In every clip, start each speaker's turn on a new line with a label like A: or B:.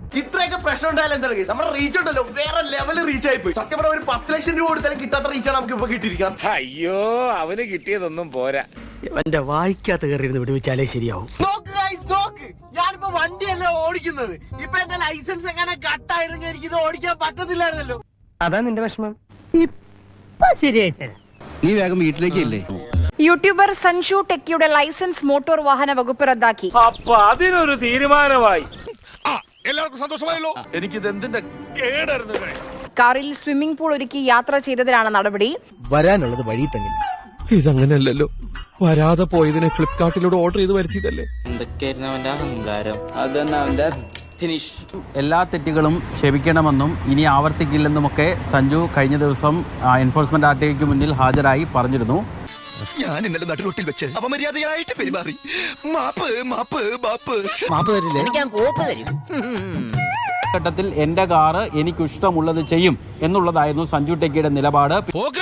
A: ഇത്രയൊക്കെ പ്രശ്നം ഉണ്ടായാലും എന്താണ് നമ്മുടെ റീച്ച് ഉണ്ടല്ലോ വേറെ ലെവല് റീച്ച് ആയി പോയി. സത്യം പറഞ്ഞ ഒരു 10 ലക്ഷം രൂപ കൊടുത്താലും കിട്ടാത്ത റീച്ചാണ് നമുക്ക് ഇപ്പൊ കിട്ടിയിരിക്കണം.
B: അയ്യോ അവന് കിട്ടിയതൊന്നും പോരാ.
C: എന്റെ വായിക്കാത്ത കയറിയിരുന്ന് വിടുവിച്ചാലേ ശരിയാവും.
A: ഞാനിപ്പോ വണ്ടിയല്ലേ ഓടിക്കുന്നത്. ഇപ്പൊ എന്റെ ലൈസൻസ് എങ്ങനെ കട്ടായിരുന്നു, എനിക്കിത് ഓടിക്കാൻ പറ്റത്തില്ലായിരുന്നല്ലോ.
C: അതാ നിന്റെ വിഷമം. ഇപ്പൊ ശരിയായിട്ട്
D: നീ വേഗം വീട്ടിലേക്ക് ഇല്ലേ?
E: യൂട്യൂബർ സഞ്ജു ടെക്കിയുടെ ലൈസൻസ് മോട്ടോർ വാഹന വകുപ്പ് റദ്ദാക്കി.
B: അപ്പൊ അതിനൊരു തീരുമാനമായി.
F: എല്ലാവർക്കും സന്തോഷമായല്ലോ. എനിക്കിത് എന്തിന്റെ കേടായിരുന്നു.
E: കാറിൽ സ്വിമ്മിംഗ് പൂൾ ഒരുക്കി യാത്ര ചെയ്തതിനാണ് നടപടി.
D: വരാനുള്ളത് വഴി തങ്ങില്ല.
F: ഇതങ്ങനെയല്ലല്ലോ. വരാതെ പോയതിനെ ഫ്ലിപ്കാർട്ടിലൂടെ ഓർഡർ ചെയ്ത് വരുത്തിയതല്ലേ.
G: എന്തൊക്കെയായിരുന്നു അവന്റെ അഹങ്കാരം. അതന്നെ അവന്റെ ഫിനിഷ്.
H: എല്ലാ തെറ്റുകളും ക്ഷമിക്കണമെന്നും ഇനി ആവർത്തിക്കില്ലെന്നുമൊക്കെ സഞ്ജു കഴിഞ്ഞ ദിവസം എൻഫോഴ്സ്മെന്റ് ആർടിഐക്ക് മുന്നിൽ ഹാജരായി പറഞ്ഞിരുന്നു.
D: ഞാൻ ഇന്നലെ നടുറോട്ടിൽ വെച്ച് അപമര്യാദയായിട്ട് പെരുമാറി. മാപ്പ് മാപ്പ് മാപ്പ് മാപ്പ് തരില്ലേ? എനിക്ക് ഞാൻ കോപ്പ് തരും.
H: ഘട്ടത്തിൽ എന്റെ കാറ് എനിക്കിഷ്ടമുള്ളത് ചെയ്യും എന്നുള്ളതായിരുന്നു സഞ്ജു ടെക്കിയുടെ നിലപാട്.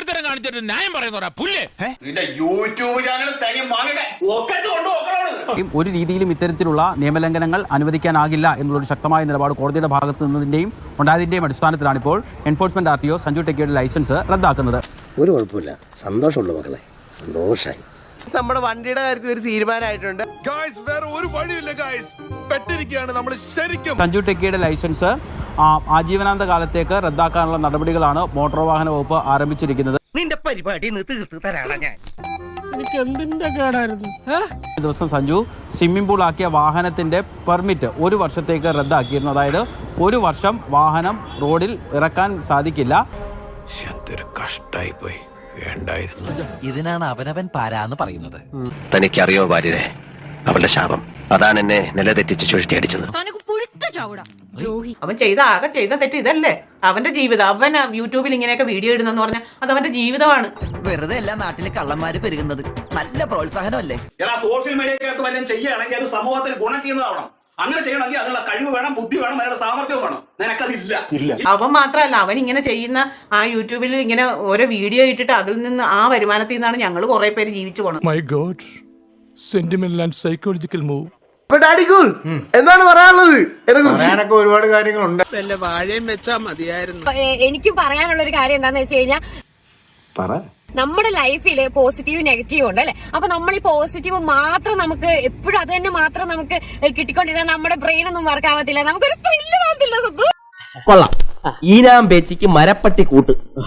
H: ഒരു രീതിയിലും ഇത്തരത്തിലുള്ള നിയമലംഘനങ്ങൾ അനുവദിക്കാനാകില്ല എന്നുള്ളൊരു ശക്തമായ നിലപാട് കോടതിയുടെ ഭാഗത്തു നിന്നതിന്റെയും ഉണ്ടായതിന്റെയും അടിസ്ഥാനത്തിലാണ് ഇപ്പോൾ എൻഫോഴ്സ്മെന്റ് ആർടിഒ സഞ്ജു ടെക്കിയുടെ ലൈസൻസ് റദ്ദാക്കുന്നത്.
I: ഒരു കുഴപ്പമില്ല, സന്തോഷമുള്ള മക്കളെ, സന്തോഷായി.
A: നമ്മുടെ വണ്ടിയുടെ കാര്യത്തിൽ ഒരു തീരുമാനമായിട്ടുണ്ട്.
F: വേറെ ഒരു വഴിയില്ല ഗൈസ്, പെട്ടിരിക്കുകയാണ് നമ്മൾ ശരിക്കും.
H: സഞ്ജു ടെക്കിയുടെ ലൈസൻസ് ആജീവനാന്ത കാലത്തേക്ക് റദ്ദാക്കാനുള്ള നടപടികളാണ് മോട്ടോർ വാഹന വകുപ്പ് ആരംഭിച്ചിരിക്കുന്നത്.
C: നിന്റെ പരിപാടി തീർത്ത് തരാടാ ഞാൻ. എനിക്ക് എന്തിന്റെ കേടായിരുന്നു.
H: ദിവസം സഞ്ജു സ്വിമ്മിംഗ് പൂൾ ആക്കിയ വാഹനത്തിന്റെ പെർമിറ്റ് 1 വർഷത്തേക്ക് റദ്ദാക്കിയിരുന്നു. അതായത് 1 വർഷം വാഹനം റോഡിൽ ഇറക്കാൻ സാധിക്കില്ല.
F: കഷ്ടായി പോയി, വേണ്ടായിരുന്നു.
D: ഇതിനാണ് അവനവൻ പാരാന്ന് പറയുന്നത്.
I: തനിക്കറിയോ ഭാര്യരെ, അവളുടെ ശാപം അതാണ് എന്നെ നിലതെറ്റിച്ച് ചുഴറ്റിയടിച്ചത്.
J: അവൻ ആകെ ചെയ്ത തെറ്റ് ഇതല്ലേ? അവന്റെ ജീവിതം. അവൻ യൂട്യൂബിൽ ഇങ്ങനെയൊക്കെ വീഡിയോ ഇടുന്നെന്ന് പറഞ്ഞാൽ അത് അവന്റെ ജീവിതമാണ്.
D: വെറുതെ എല്ലാ നാട്ടിലെ കള്ളന്മാര് പെരുകുന്നത് നല്ല പ്രോത്സാഹനമല്ലേ?
B: സോഷ്യൽ മീഡിയക്കകത്ത് വല്ലതും ചെയ്യുകയാണെങ്കിൽ അത് സമൂഹത്തിന് ഗുണം ചെയ്യുന്നതാവണം. അങ്ങനെ ചെയ്യണമെങ്കിൽ അതിനുള്ള കഴിവ് വേണം, ബുദ്ധി വേണം, അതിനുള്ള സാമർത്ഥ്യം വേണം. നിനക്കതില്ല.
J: അവൻ മാത്രമല്ല, അവൻ ഇങ്ങനെ ചെയ്യുന്ന ആ യൂട്യൂബിൽ ഇങ്ങനെ ഓരോ വീഡിയോ ഇട്ടിട്ട് അതിൽ നിന്ന് ആ വരുമാനത്തിൽ നിന്നാണ് ഞങ്ങൾ കുറെ പേര് ജീവിച്ചു പോണത്.
F: My god, sentimental and psychological move.
A: എന്താണ് പറയാനുള്ളത്?
C: പറയാനൊക്കെ ഒരുപാട് കാര്യങ്ങളുണ്ട്.
A: വാഴയും വെച്ചാ മതിയായിരുന്നു.
E: എനിക്ക് പറയാനുള്ള ഒരു കാര്യം എന്താണെന്ന് വെച്ച് കഴിഞ്ഞാൽ, നമ്മുടെ ലൈഫിൽ പോസിറ്റീവ് നെഗറ്റീവ് ഉണ്ട് അല്ലെ. അപ്പൊ നമ്മൾ ഈ പോസിറ്റീവ് മാത്രം നമുക്ക് എപ്പോഴും അത് തന്നെ മാത്രം നമുക്ക് കിട്ടിക്കൊണ്ടിരുന്നാൽ നമ്മുടെ ബ്രെയിൻ ഒന്നും വർക്ക് ആവത്തില്ല, നമുക്കൊരു ത്രില്ല് തോന്നത്തില്ല.
C: കൊള്ളാം. ഈനാം പേച്ചിക്ക് മരപ്പട്ടി കൂട്ട്.